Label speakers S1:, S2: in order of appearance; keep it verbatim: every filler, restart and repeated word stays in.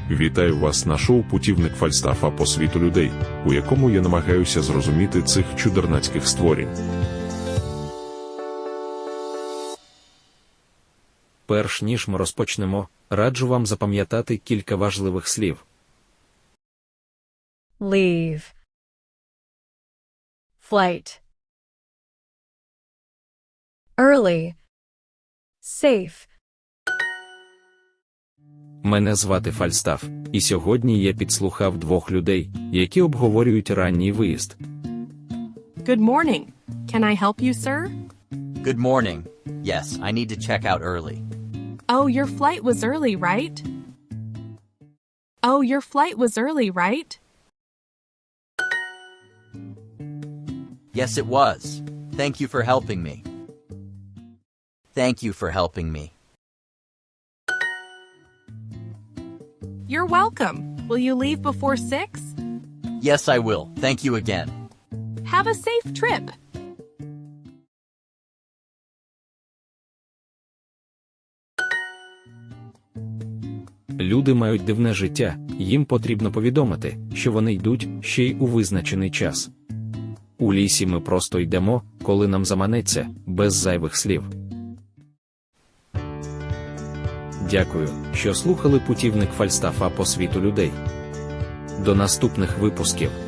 S1: Вітаю вас на шоу «Путівник Фальстафа по світу людей», у якому я намагаюся зрозуміти цих чудернацьких створінь.
S2: Перш ніж ми розпочнемо, раджу вам запам'ятати кілька важливих слів.
S3: Leave. Flight. Early. Safe.
S2: Мене звати Фальстаф, і сьогодні я підслухав двох людей, які обговорюють ранній виїзд.
S4: Good morning. Can I help you, sir?
S5: Good morning. Yes, I need to check out early.
S4: Oh, your flight was early, right? Oh, your flight was early, right?
S5: Yes, it was. Thank you for helping me. Thank you for helping me.
S4: You're welcome. Will you leave before six?
S5: Yes, I will. Thank you again.
S4: Have a safe trip.
S2: Люди мають дивне життя, їм потрібно повідомити, що вони йдуть ще й у визначений час. У лісі ми просто йдемо, коли нам заманеться, без зайвих слів. Дякую, що слухали «Путівник Фальстафа по світу людей». До наступних випусків.